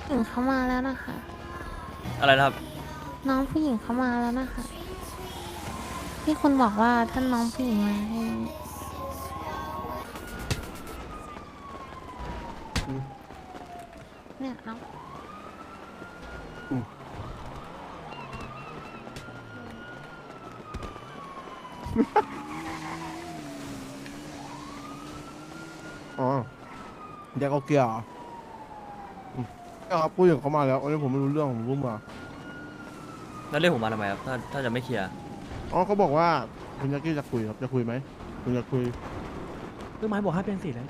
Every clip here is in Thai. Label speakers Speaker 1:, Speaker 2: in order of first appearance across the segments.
Speaker 1: หญิงเขามาแล้วนะคะ
Speaker 2: อะไรนะครับ
Speaker 1: น้องผู้หญิงเขามาแล้วนะคะที่คุณบอกว่าท่านน้องผู้หญิงมาให้เนี่ยน้อง
Speaker 3: อ๋อแยกเอาเกียร์เหรอครับพูดอย่างเขามาแล้วอันนี้ผมไม่รู้เรื่องผมรู้มา
Speaker 2: แล้วเรียกผมมาทำไมครับถ้าจะไม่เคลียร์
Speaker 3: อ๋อเขาบอกว่าคุณยักษ์จะคุยครับจะคุยไหมคุณจะคุย
Speaker 4: คือไม้บอกให้เป็นสีเลย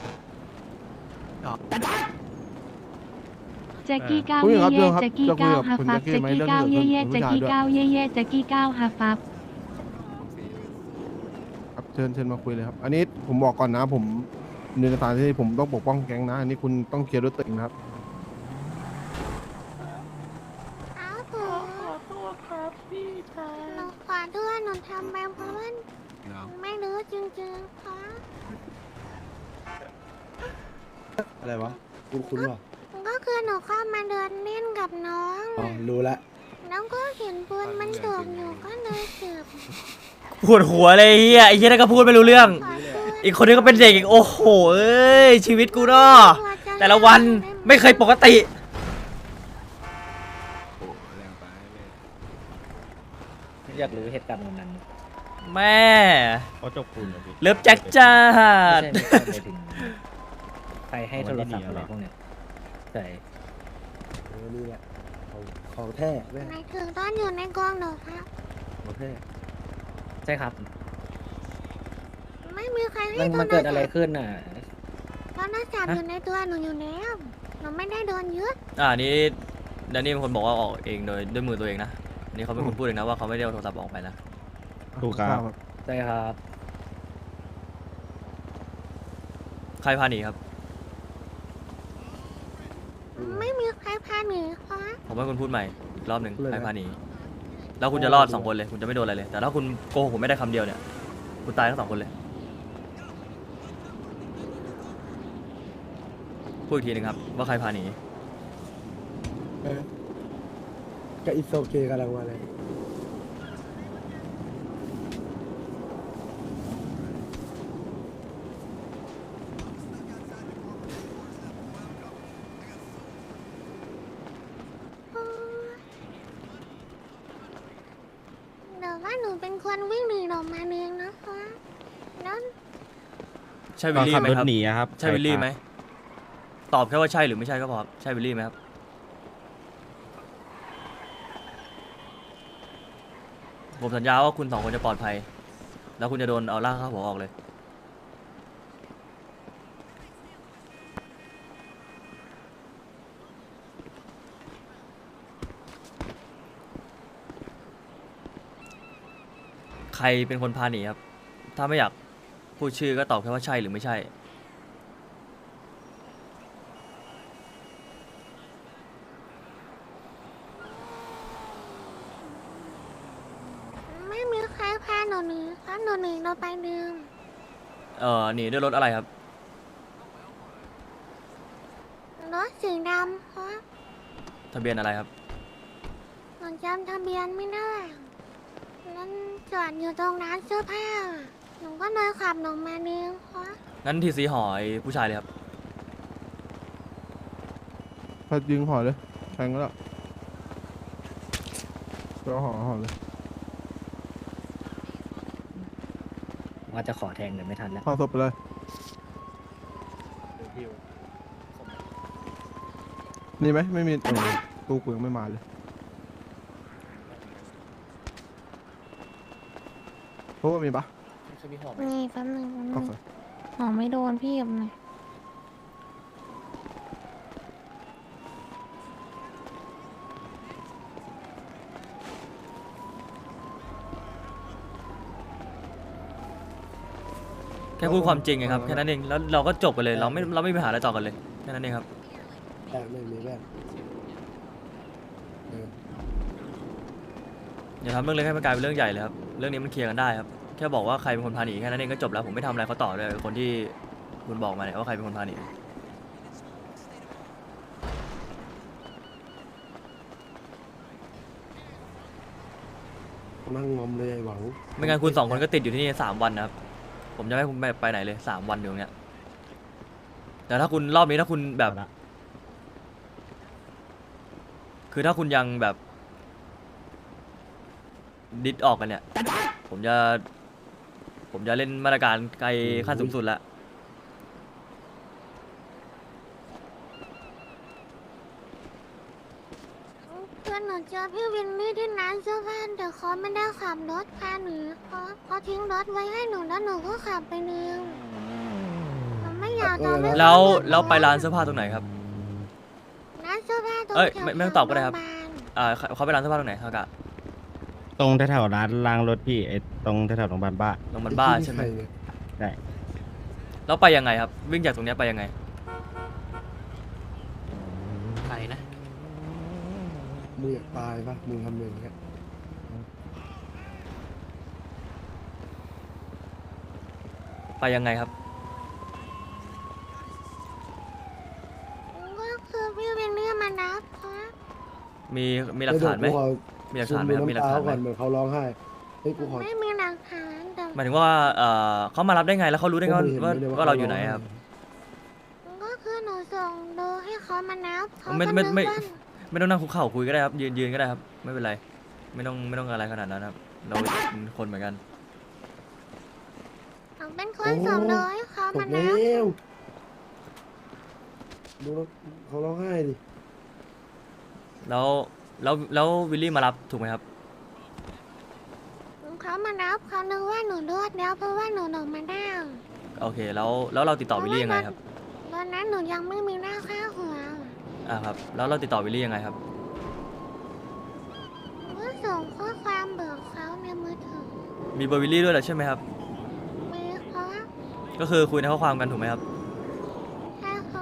Speaker 5: แจ็กกี้ก้าว
Speaker 3: คุย
Speaker 5: เย่
Speaker 3: ครับเรื่
Speaker 5: เย่
Speaker 3: องครับ
Speaker 5: แจ็กกี้
Speaker 3: จะคุย
Speaker 5: ก้าว
Speaker 3: กับ
Speaker 5: ฮา
Speaker 3: คุณ
Speaker 5: ฟั
Speaker 3: ยั
Speaker 5: บ
Speaker 3: กษ์
Speaker 5: แจ็ก
Speaker 3: ไหม
Speaker 5: กี้
Speaker 3: เรื่อง
Speaker 5: ก้าว
Speaker 3: เกี่
Speaker 5: เย่
Speaker 3: ยวกับ
Speaker 5: เย่
Speaker 3: ผู้
Speaker 5: แจ็ก
Speaker 3: ชาย
Speaker 5: กี้
Speaker 3: ด้วย
Speaker 5: ก้าวเย่เย่แจ็กกี้ก้าวฮาฟับ
Speaker 3: ครับเชิญมาคุยเลยครับ อันนี้ผมบอกก่อนนะผมในสถานที่ผมต้องปกป้องแก๊งนะอันนี้คุณต้องเคลียร์ด้วยตัวเองนะครับ
Speaker 1: อ้าวถูขอโทษครับพี่ชายหนูขอโทษหนูทำไปเพราะว่าไม่รู้จริงๆค่ะ
Speaker 6: อะไรวะคุ้นๆวะ
Speaker 1: ก็คือหนูเข้ามาเดินเล่นกับน้อง
Speaker 6: อ๋อ รู้ละ
Speaker 1: แล้วก็เห็นปืนมันตกอยู่ก็เลยเก็บ
Speaker 2: ปวดหัวเลยไอ้เหี้ยนั่นก็พูดไม่รู้เรื่อง
Speaker 1: ขอโทษ
Speaker 2: อีกคนนึงก็เป็นเด็กอีกโอ้โหเอ้ยชีวิตกูเนาะแต่ละวันไม่เคยปกติ
Speaker 4: อยากรู้เหตุการณ์วันนั้น
Speaker 2: แม่
Speaker 4: เขาจบคุณเหรอพี่
Speaker 2: เลิฟแจ็คจ้า
Speaker 4: ไม่ใช่ไม่ถึงใครให้โทรศัพท์อะไรพวกเนี้ยใช่
Speaker 6: นี่แหละของแท้แม่
Speaker 1: หมายถึงตอนอยู่ในกองเหรอครับ
Speaker 6: ของแท้
Speaker 4: ใช่ครับ
Speaker 1: ไม่มีใครให้
Speaker 4: มันเกิดอะไรขึ้นน่ะ
Speaker 1: โทรศัพท์อยู่ในตัวหนูอยู่แล้วหนูไม่ได้โดนยึด
Speaker 2: นี่แดนนี่เป็นคนบอกว่าออกเองโดยด้วยมือตัวเองนะอันนี่เขาเป็นคนพูดเองนะว่าเขาไม่ได้เอาโทรศัพท์ออกไปนะ
Speaker 3: ถูกครับ
Speaker 4: ใช่ครับ
Speaker 2: ใครพาหนีครับ
Speaker 1: ไม่มีใครพาหนีค่ะ
Speaker 2: ผมให้คุณพูดใหม่อีกรอบหนึ่งใครพาหนีแล้วคุณจะรอด2 คนเลยคุณจะไม่โดนอะไรเลย แต่ถ้าคุณโกหกผมไม่ได้คำเดียวเนี่ยคุณตายทั้ง2 คนเลยพูดอีกทีหนึงครับว่าใครพาหนี
Speaker 6: กับอิโซเกกำลังมาเลย
Speaker 1: เดี๋ยวว่าหนูเป็นคนวิ่งหนีออกมาเองนะคะแล้ว
Speaker 2: ใช่วิลลี่ไหมครับ
Speaker 4: หนีครับ
Speaker 2: ใช่วิลลี่ไหมตอบแค่ว่าใช่หรือไม่ใช่ก็พอครับใช่วิลลี่ไหมครับผมสัญญาว่าคุณ2 คนจะปลอดภัย แล้วคุณจะโดนเอาล่ากเข้าหัวออกเลย ใครเป็นคนพาหนีครับ ถ้าไม่อยากพูดชื่อก็ตอบแค่ว่าใช่หรือไม่ใช่
Speaker 1: ไม่มีใครพาหนูหนีครับหนูหนีเราไปดื่ม
Speaker 2: หนีด้วยรถอะไรครับ
Speaker 1: รถสีดำครับ
Speaker 2: ทะเบียนอะไรครับ
Speaker 1: หนูจำทะเบียนไม่ได้นั่นจอดอยู่ตรงร้านเสื้อผ้าหนูก็เลยขับหนูมาเองครับ
Speaker 2: งั้นทีสีหอยผู้ชายเลยครับ
Speaker 3: ถ้ายิงห่อเลยแทงก็แล้วก็ห่อเลย
Speaker 4: ว่าจะขอแทงแต่ไม่ทันแล้ว
Speaker 3: ห่อศพไปเลยนี่ไหมไม่มีตู้กูยังไม่มาเลยเพราะว่ามีปะ
Speaker 1: นี่แป๊บนึง
Speaker 3: โอเค
Speaker 1: หอไม่โดนพี่กับหน่อย
Speaker 2: แค่พูดความจริงไงครับแค่นั้นเองแล้วเราก็จบกันเลยเราไม่มีปัญหาอะไรต่อกันเลยแค่นั้นเองครับ
Speaker 6: แต่ไม่มีแม่
Speaker 2: อย่าทำเรื่องเล็กให้มันกลายเป็นเรื่องใหญ่เลยครับเรื่องนี้มันเคลียร์กันได้ครับแค่บอกว่าใครเป็นคนพาหนีแค่นั้นเองก็จบแล้วผมไม่ทำอะไรเขาต่อเลยคนที่คุณบอกมาเนี่ยว่าใครเป็นคนพาหนี
Speaker 6: นั่งงอมเลยไอ้หวัง
Speaker 2: ไม่งั้นคุณสองคนก็ติดอยู่ที่นี่3 วันนะครับผมจะไม่ให้คุณไปไหนเลย3 วันอยู่ตรงเนี้ยแต่ถ้าคุณรอบนี้ถ้าคุณแบบ คือถ้าคุณยังแบบดิดออกกันเนี่ย ผมจะเล่นมาตรการไกลขั้นสูงสุดแล้ว
Speaker 1: เพื่อนหนูเจอพี่วินนี่ที่ร้านเสื้อผ้าแต่เขาไม่ได้ขับรถพาหนูเขาทิ้งรถไว้ให้หนูแล้วหนูก็ขับไปเองหนูไม่อยากทำให้
Speaker 2: แล้วไปร้านเสื้อผ้าตรงไหนครับ
Speaker 1: ร้านเสื้อผ้าตรง
Speaker 2: เอ้ย
Speaker 1: แถว
Speaker 2: ไม่ต้องตอบก็ได้ครับ
Speaker 1: โงพยาาล
Speaker 2: เขาไปร้านเสื้อผ้าตรงไหนฮากะ
Speaker 7: ตรงแถวๆร้านล้างรถพี่ไอ้ตรงแถวๆโรงพยาบาลบ้า
Speaker 2: ตรงมันบ้าใช่ไหม
Speaker 6: เนี่ย
Speaker 7: ได้
Speaker 2: แล้วไปยังไงครับ วิ่งจากตรงเนี้ยไปยังไง
Speaker 8: ไกลนะ
Speaker 6: มึงอยากตายปะมึงทำอย่างเงี้ย
Speaker 2: ไปยังไงครับ
Speaker 1: ก็คือพี่วินนี่มานับครับ
Speaker 2: มีหลักฐานไหม มีหลักฐานไหมครับมีหลักฐานไหม
Speaker 6: ก่อนเหมือนเขาร้องไห้เฮ้ยกูขอ
Speaker 1: ไม่มีหลักฐานแต่
Speaker 2: หมายถึงว่าเขามารับได้ไงแล้วเขารู้ได้ไงว่าเราอยู่ไหนครับ
Speaker 1: ก็คือหนูส่งดูให้เขามานับเขา
Speaker 2: ไม่
Speaker 1: ก็
Speaker 2: ไม่
Speaker 1: นึก
Speaker 2: ไม่
Speaker 1: ว่า
Speaker 2: ไม่ต้องนั่งคุกเข่าคุยก็ได้ครับยืนก็ได้ครับไม่เป็นไรไม่ต้องอะไรขนาดนั้นครับเราเป็นคนเหมือนกัน
Speaker 1: หนูเป็นคนส่งดูให้เขา
Speaker 6: ต
Speaker 1: มาก
Speaker 6: แล้
Speaker 1: นับ
Speaker 6: วดูแล้วเขาร้องไห้ดิ
Speaker 2: แล้ววิลลี่มารับถูกไหมครับ
Speaker 1: เขามานับเขานึกว่าหนูรวดแล้วเพราะว่าหนูมาได้
Speaker 2: โอเคแล้วเราติดต่อวิลลี่ยังไงครับ
Speaker 1: ตอนนั้นหนูยังไม่มีหน้าค่าหัว
Speaker 2: ครับแล้วเราติดต่อวิลลี่ยังไงครับ
Speaker 1: ก็ส่งข้อความเบิกเขาในมือถือ
Speaker 2: มีเบอร์วิลลี่ด้วยเหรอใช่ไหมครับ
Speaker 1: มีเขา
Speaker 2: ก็คือคุยในข้อความกันถูกไหมครับ
Speaker 1: ใช่เขา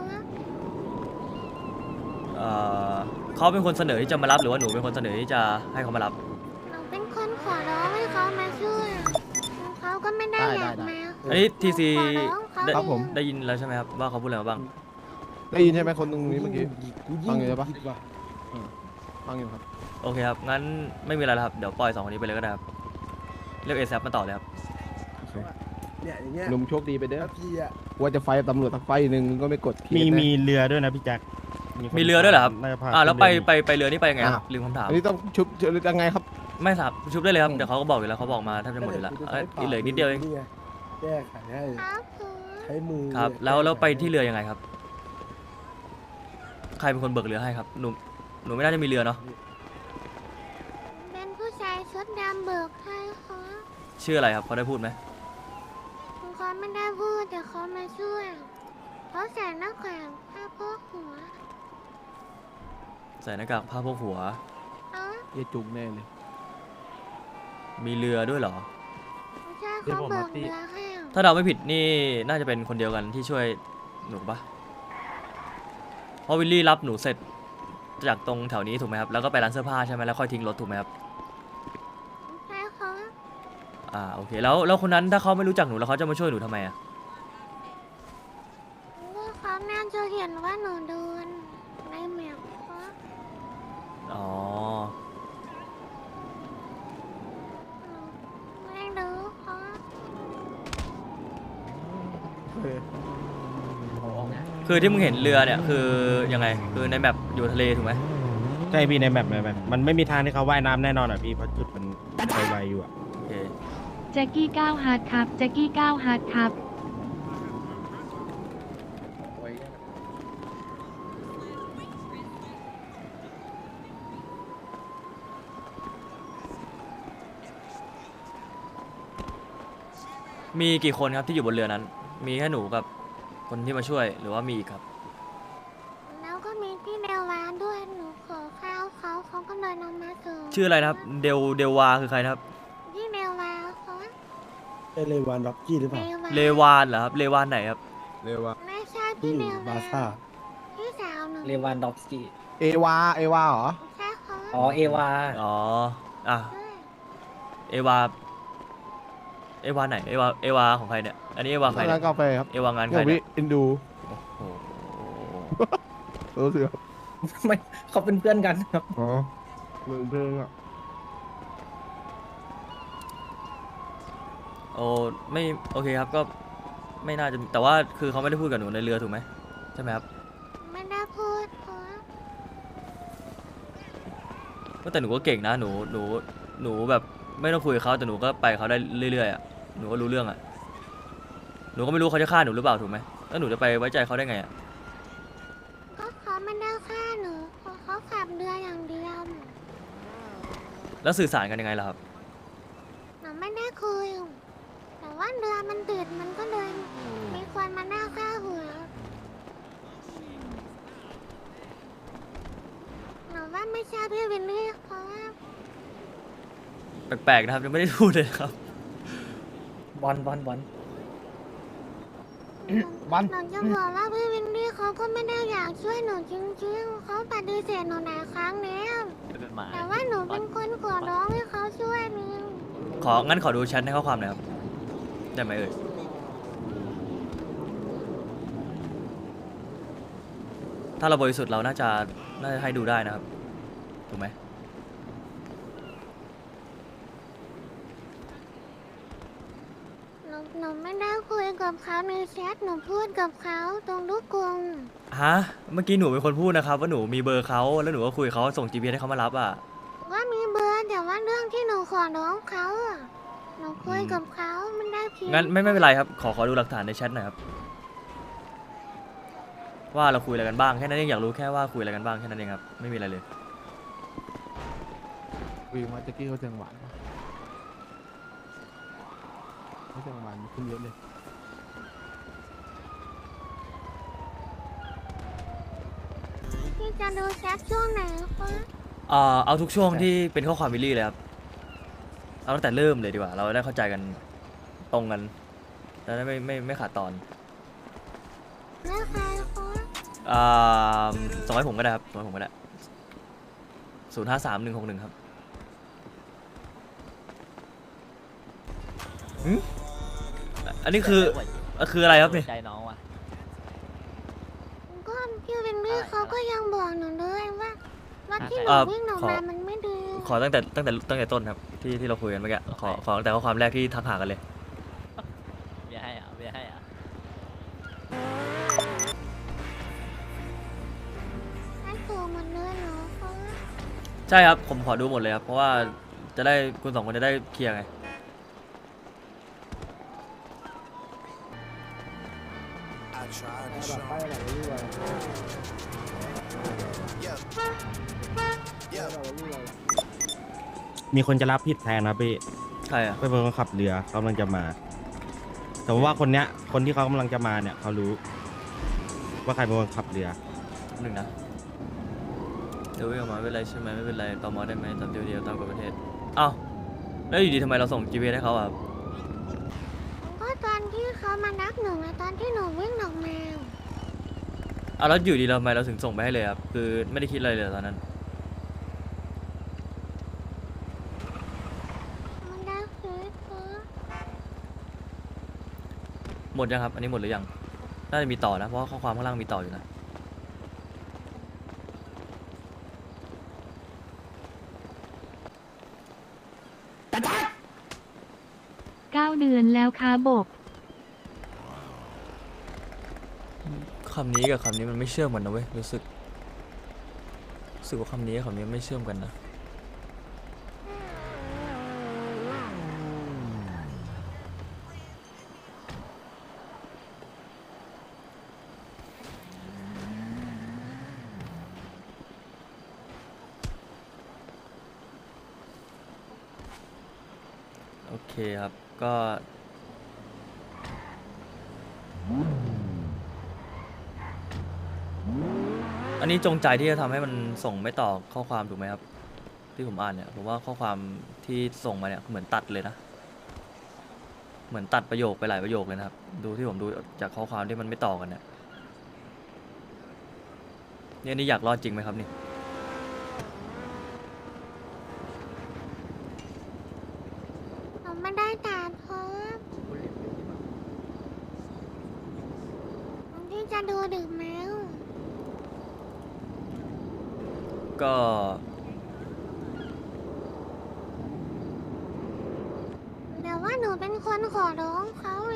Speaker 2: เขาเป็นคนเสนอที่จะมารับหรือว่าหนูเป็นคนเสนอที่จะให้เขามารับ
Speaker 1: หนูเป็นคนขอร้องให้เขามาช่วยเขาก็ไม่ได้อยากมา
Speaker 2: อันนี้ทีซี
Speaker 1: ขอร้องเขา
Speaker 3: ครับผม
Speaker 2: ได้ยินแล้วใช่ไหมครับว่าเขาพูดอะไรมาบ้าง
Speaker 3: ได้ยินใช่ไหมคนตรงนี้เมื่อกี้
Speaker 6: กู
Speaker 3: ฟังอยู่ใช่ปะ
Speaker 6: ผิดว่ะ
Speaker 3: ฟังอยู่ครับ
Speaker 2: โอเคครับงั้นไม่มีอะไรแล้วครับเดี๋ยวปล่อย2 คนนี้ไปเลยก็ได้ครับเรียกเอซับมาต่อเลยครับ
Speaker 6: เนี่ยอย่างเงี้ย
Speaker 3: หนุ่มโชคดีไปเด้อ
Speaker 6: แล้วพี่อะ
Speaker 3: ว่าจะไฟตำรวจสักไฟหนึ่งก็ไม่กดเคส
Speaker 7: มี
Speaker 3: นะ
Speaker 7: มีเรือด้วยนะพี่แจ็คคน
Speaker 2: มีเรือด้วยเหรอครับ
Speaker 7: น่าจะพา
Speaker 2: แล้ว
Speaker 7: ขึ้นเรือ
Speaker 2: ไปเรือนี่ไปยังไงครับ
Speaker 3: อ้าว
Speaker 2: ลืมคำถาม
Speaker 3: อันนี้ต้องชุบยังไงครับ
Speaker 2: ไม่ครับชุบได้เลยครับเดี๋ยวเขาก็บอกอยู่แล้วเขาบอกมาแทบจะหมดอยู่แล้วอีกเหลือนิดเดียวเอง
Speaker 6: นี่ไงแก้ไขให้
Speaker 1: ครับคือ
Speaker 6: ใช้มือ
Speaker 2: ครับ
Speaker 6: เนี่ย
Speaker 2: แล้วไป
Speaker 6: ก้ข
Speaker 2: ที่เรือยังไงครับ ใครเป็นคนเบิกเรือให้ครับหนูไม่น่าจะมีเรือเนาะ
Speaker 1: เป็นผู้ชายชุดดำเบิกให้เขา
Speaker 2: ชื่ออะไรครับเขาได้พูดไหม
Speaker 1: เขาไม่ได้พูดแต่เขามาช่วยเขาใส่หน้ากากผ้าโพกหัว
Speaker 2: ใส่หน้ากากผ้าโพกหัว
Speaker 1: เอ้า
Speaker 3: เยจุกแน่เลย
Speaker 2: มีเรือด้วยเหรอ
Speaker 1: ไม่ใช่เขาเบิกเรือให้
Speaker 2: ถ้าเราไม่ผิดนี่น่าจะเป็นคนเดียวกันที่ช่วยหนูปะเพราะวิลลี่รับหนูเสร็จจากตรงแถวนี้ถูกไหมครับแล้วก็ไปร้านเสื้อผ้าใช่ไหมแล้วค่อยทิ้งรถถูกไหมครับ
Speaker 1: ใช่เขา
Speaker 2: โอเคแล้วคนนั้นถ้าเขาไม่รู้จักหนูแล้วเขาจะมาช่วยหนูทำไมอะ
Speaker 1: ก็เขาน่าจะเห็นว่าหนูโดนในแมพเขา
Speaker 2: อ๋อ
Speaker 1: ไม่รู้เขา
Speaker 2: คือที่มึงเห็นเรือเนี่ยคือยังไงคือในแมปอยู่ทะเลถูกไหม
Speaker 7: ใช่พี่ในแมปมันไม่มีทางที่เขาว่ายน้ำแน่นอนอ่ะพี่เพราะจุดมันไวๆอยู่อ่ะ
Speaker 2: โอเค
Speaker 5: แจ็กกี้9ฮาร์ดครับแจ็กกี้9ฮาร์ดครับ
Speaker 2: มีกี่คนครับที่อยู่บนเรือนั้น มีแค่หนูกับคนที่มาช่วยหรือว่ามีอีกครับ
Speaker 1: แล้วก็มีพี่เดวานด้วยหนูขอข้าวเขาก็เลยนำมาส่ง
Speaker 2: ชื่ออะไรนะครับเดวาคือใครนะครับ
Speaker 1: พี่เดวานเขา
Speaker 6: เอเลวานร็อกกี้หรือเปล่า
Speaker 2: เลวานเหรอครับเลวานไหนครับ
Speaker 3: เรียกว่า
Speaker 1: ไม่ใช่
Speaker 6: ที่
Speaker 1: พี่เดวา
Speaker 6: บาน ซ่า
Speaker 1: พี่สาวหนู
Speaker 4: เลวานดอฟสกี้
Speaker 3: เอวาเหรอ
Speaker 1: ใช่เขา
Speaker 4: อ๋อเอวา
Speaker 2: อ๋อ
Speaker 1: ใช่
Speaker 2: เอวาไหนเอวาของใครเนี่ยอันนี้เอวาใคร
Speaker 3: ร้า
Speaker 2: เนี่
Speaker 3: น
Speaker 2: ย
Speaker 3: กาแฟครับ
Speaker 2: เอวางานใค
Speaker 3: เนี่
Speaker 2: ร
Speaker 3: ย
Speaker 2: เนี่
Speaker 3: วิ
Speaker 2: ย
Speaker 3: เอ็นดู
Speaker 2: โอ้โห
Speaker 3: รู้สึกครับ
Speaker 4: ไม่เขาเป็นเพื่อนกันครับ
Speaker 3: อ๋อเหมือนเพลงอ่ะ
Speaker 2: โอ้ไม่โอเคครับก็ไม่น่าจะแต่ว่าคือเขาไม่ได้พูดกับหนูในเรือถูกไหมใช่ไหมครับ
Speaker 1: ไม่ได้พูดเพราะ
Speaker 2: ก็แต่หนูก็เก่งนะหนูแบบไม่ต้องคุยกับเขาแต่หนูก็ไปกับเขาได้เรื่อยๆอ่ะหนูก็รู้เรื่องอ่ะหนูก็ไม่รู้เขาจะฆ่าหนูหรือเปล่าถูกไหมแล้วหนูจะไปไว้ใจเขาได้ไงอ่ะ
Speaker 1: ก็เขาไม่ได้ฆ่าหนูเพราะเขาขับเรืออย่างเดียว
Speaker 2: แล้วสื่อสารกันยังไงล่ะครับ
Speaker 1: หนูไม่ได้คุย แต่ว่าเรือมันติดมันก็เลยมีคนมาหน้าฆ่าหัวหนูว่าไม่ใช่พี่วินนี่เพราะว่า
Speaker 2: แปลกๆนะครับยังไม่ได้พูดเลยครับ
Speaker 4: บอล
Speaker 1: หนูจะบอกว่าพี่วินนี่เขาก็ไม่ได้อยากช่วยหนูจริงๆเขาปฏิเสธหนูหลายครั้งแล้วแต่ว่าหนูเป็นคนขอร้องให้เขาช่วยนึง
Speaker 2: งั้นขอดูแชทในข้อความหน่อยครับได้ไหมเอ่ยถ้าเราบริสุทธิ์เราน่าจะให้ดูได้นะครับถูกไหม
Speaker 1: หนูไม่ได้คุยกับเขาในแชทหนูพูดกับเขาตรงลูกกรง
Speaker 2: ฮะเมื่อกี้หนูเป็นคนพูดนะครับว่าหนูมีเบอร์เขาแล้วหนูก็คุยกับเขาส่ง GPS ให้เขามารับอ่ะ
Speaker 1: ว่ามีเบอร์แต่ว่าเรื่องที่หนูขอร้องเขาอะหนูคุยกับเขามันได้เพียง
Speaker 2: งั้นไม่เป็นไรครับขอดูหลักฐานในแชทหน่อยครับว่าเราคุยอะไรกันบ้างแค่นั้นเองอยากรู้แค่ว่าคุยอะไรกันบ้างแค่นั้นเองครับไม่มีอะไรเลย
Speaker 3: คุยมาแจ็คกี้เขาแจงหวานปะเขาแจงหวานขึ้นเยอะเลย
Speaker 1: ที่จะดูแชทช่วงไหนคะ
Speaker 2: เอาทุกช่วงที่เป็นข้อความวิลลี่เลยครับเอาตั้งแต่เริ่มเลยดีกว่าเราได้เข้าใจกันตรงกันแล้วได้ไม่ขาดตอน
Speaker 1: เลือกใครคะ
Speaker 2: ส่งให้ผมก็ได้ครับส่งให้ผมก็ได้053161ครับหึอันนี้คืออะไรครับเนี่ย
Speaker 8: ใจน้องว่ะ
Speaker 1: ก็พี่วินนี่เขาก็ยังบอกหนูเลยว่าที่หนูวิ่งออกมามันไม่ดี
Speaker 2: ขอตั้งแต่ต้นครับที่เราคุยกันเมื่อกี้ขอตั้งแต่ข้อความแรกที่ทักหากันเลย
Speaker 8: เบียร์ให้อ่ะเบียร์ให้อ่ะ
Speaker 1: ให้ถูกหมดเลยเหรอคะ
Speaker 2: ใช่ครับผมขอดูหมดเลยครับเพราะว่าจะได้คุณสองคนจะได้เคลียร์ไง
Speaker 7: มีคนจะรับผิดแทนนะพี่
Speaker 2: ใครอ่ะ
Speaker 7: เป็นคนขับเรือกำลังจะมา แต่ว่าคนที่เขากำลังจะมาเนี่ยเขารู้ ว่าใครเป็นคนขับเรือ
Speaker 2: หนึ่งนะเดี๋ยววิ่งออกมาไม่เป็นไรใช่ไหมไม่เป็นไรตอมอได้ไหมตามเดียวตามกฎประเทศอ้าวแล้วอยู่ดีทำไมเราส่ง GPS ให้เขาอ่ะ
Speaker 1: ก็ตอนที่เขามานักหนูไงตอนที่หนูวิ่งออกมา
Speaker 2: อ้าวแล้วอยู่ดีเราทำไมเราถึงส่งไปให้เลยครับคือไม่ได้คิดอะไรเลยตอนนั้น
Speaker 1: มันได้คือคะ
Speaker 2: หมดยังครับอันนี้หมดหรือยังน่าจะมีต่อนะเพราะว่าข้อความข้างล่างมีต่ออยู่นะ
Speaker 5: 9 เดือนแล้วค่ะบก
Speaker 2: คำนี้กับคำนี้มันไม่เชื่อมกันนะเว้ยรู้สึกว่าคำนี้กับคำนี้ไม่เชื่อมกันนะโอเคครับก็ อันนี้จงใจที่จะทำให้มันส่งไม่ต่อข้อความถูกไหมครับที่ผมอ่านเนี่ยผมว่าข้อความที่ส่งมาเนี่ยเหมือนตัดเลยนะเหมือนตัดประโยคไปหลายประโยคเลยนะครับดูที่ผมดูจากข้อความที่มันไม่ต่อกันเนี่ยนี่อยากรอดจริงไหมครับนี่
Speaker 1: หนูไม่ได้ด่าเพราะที่จะดูดึกแมว
Speaker 2: ก็
Speaker 1: แต่ว่าว่าหนูเป็นคนขอร้องเขาเอง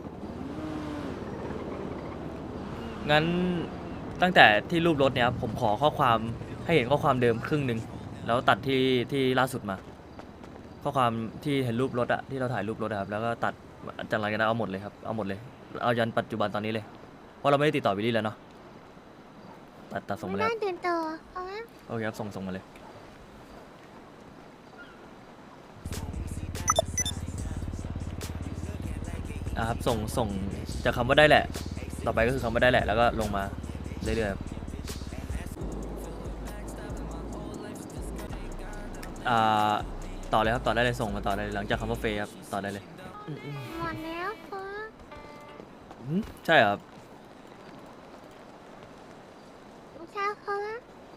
Speaker 2: งั้นตั้งแต่ที่รูปรถเนี่ยครับผมขอข้อความให้เห็นข้อความเดิมครึ่งหนึ่งแล้วตัดที่ล่าสุดมา ข้อความที่เห็นรูปรถอะที่เราถ่ายรูปรถอะครับแล้วก็ตัดจากหลังจากนั้นเอาหมดเลยครับเอาหมดเลยเอายันปัจจุบันตอนนี้เลยเพราะเราไม่ได้ติดต่อวิลลี่แล้วเนาะตัดส่ง
Speaker 1: ไม่
Speaker 2: มาเลย
Speaker 1: ได้
Speaker 2: ครับ
Speaker 1: ติดต่อเขาว่า
Speaker 2: โอเคครับส่งมาเลยครับส่งจากคำว่าได้แหละ ต่อไปก็คือคำว่าได้แหละแล้วก็ลงมาเรื่อยๆครับต่อเลยครับต่อได้เลยส่งมาต่อได้เลยหลังจากคำว่าเฟย์ครับต่อได้เลย
Speaker 1: หมดแล้วเขา
Speaker 2: ใช่ครับ
Speaker 1: ใช่เขาว่า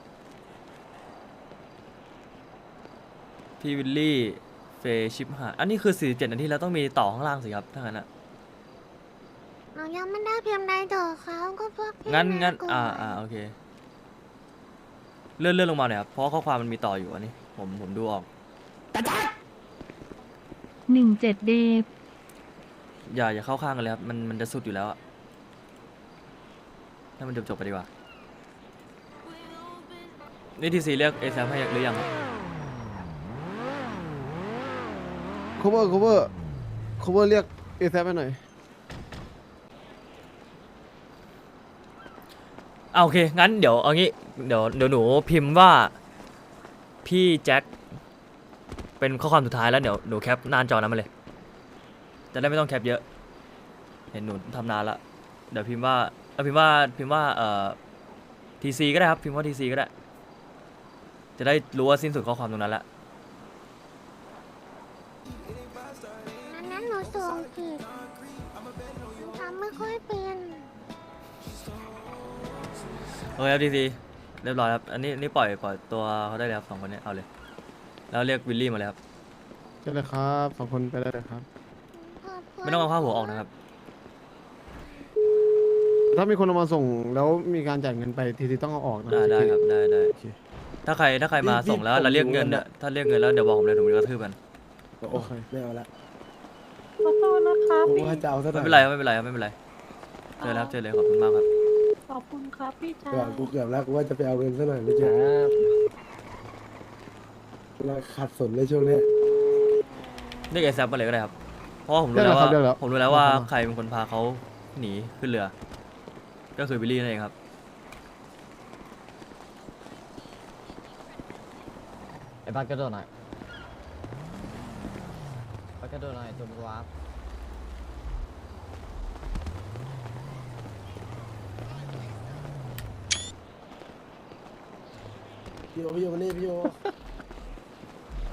Speaker 2: พี่วิลลี่เฟย์ชิปหายอันนี้คือ47นาทีแล้วต้องมีต่อข้างล่างสิครับถ้างั้นอะ
Speaker 1: หนูยังไม่ได้พิมพ์ใดต่อเขาก็พวกพี่
Speaker 2: งั้น
Speaker 1: มาก่อน
Speaker 2: โอเคเลื่อนลงมาหน่อยครับเพราะข้อความมันมีต่ออยู่อันนี้ผมดูออก
Speaker 5: 17 เดฟ
Speaker 2: อย่าเข้าข้างกันเลยครับมันจะสุดอยู่แล้วอะให้มันจบไปดีกว่านี่ทีซีเรียกเอซให้หรือยังครับ
Speaker 3: cover เรียกเอแซไปหน่อย
Speaker 2: โอเคงั้นเดี๋ยวเอางี้เดี๋ยวหนูพิมพ์ว่าพี่แจ็คเป็นข้อความสุดท้ายแล้วเดี๋ยวหนูแคปหน้าจอนั้นมาเลยจะได้ไม่ต้องแคปเยอะเห็นหนูทำนานละเดี๋ยวพิมพ์ว่าทีซีก็ได้ครับพิมพ์ว่าทีซีก็ได้จะได้รู้ว่าสิ้นสุดข้อความตรงนั้นละ
Speaker 1: อันนั้นหนูส่งผิดหนูทำไม่ค่อยเป็น
Speaker 2: โอเคครับทีซีเรียบร้อยครับอันนี้ปล่อยตัวเขาได้เลยครับ2 คนนี้เอาเลยแล้วเรียกวิลลี่มาเลยครับ
Speaker 3: ได้เลยครับ2 คนไปได้เลยครับ
Speaker 1: ขอบคุณ
Speaker 2: ไม่ต้องเอาผ้าหัวออกนะครับ
Speaker 3: ถ้ามีคนเอามาส่งแล้วมีการจ่ายเงินไปทีต้องเอาออกนะ
Speaker 2: ได้ครับได้
Speaker 3: โอเค
Speaker 2: ถ้าใครมาส่งแล้ว
Speaker 6: ผม
Speaker 2: เราเรียกเงิน
Speaker 6: รู้
Speaker 2: เนี่ยถ้าเรียกเงินแล้วเดี๋ยวบอกผมเลยผมจะกระทืบกัน
Speaker 6: โอ้ยไม่เอาละ
Speaker 9: ขอโทษนะคะ
Speaker 6: ผม
Speaker 9: พี่
Speaker 6: ว่าจะเอาซะหน่
Speaker 2: ไม่
Speaker 6: อย
Speaker 2: เป็นไรครับไม่เป็นไรครับไม่เป็นไรเจอแล้วครับเจอเลยขอบคุณมากครับ
Speaker 9: ขอบคุณครับพี่ชาย
Speaker 6: กูเกือบแล้วกูว่าจะไปเอาเงินซะหน่อยไม่เจอเราขัดสนเลยช่วงเนี้ย
Speaker 2: เรียกไอ้แซมมาเลยก็ได้ครับเพราะว่าผมรู้แล้วว่าผมรู้แล้วว่าใครเป็นคนพาเขาหนีขึ้นเรือ ก็คือวิลลี่นั่นเองครับ
Speaker 8: ไอ้บ้านกระโดดหน่อยบ้านกระโดดหน่อยตัวมึงวาร์ป
Speaker 6: พี่โยมานี่พี่โย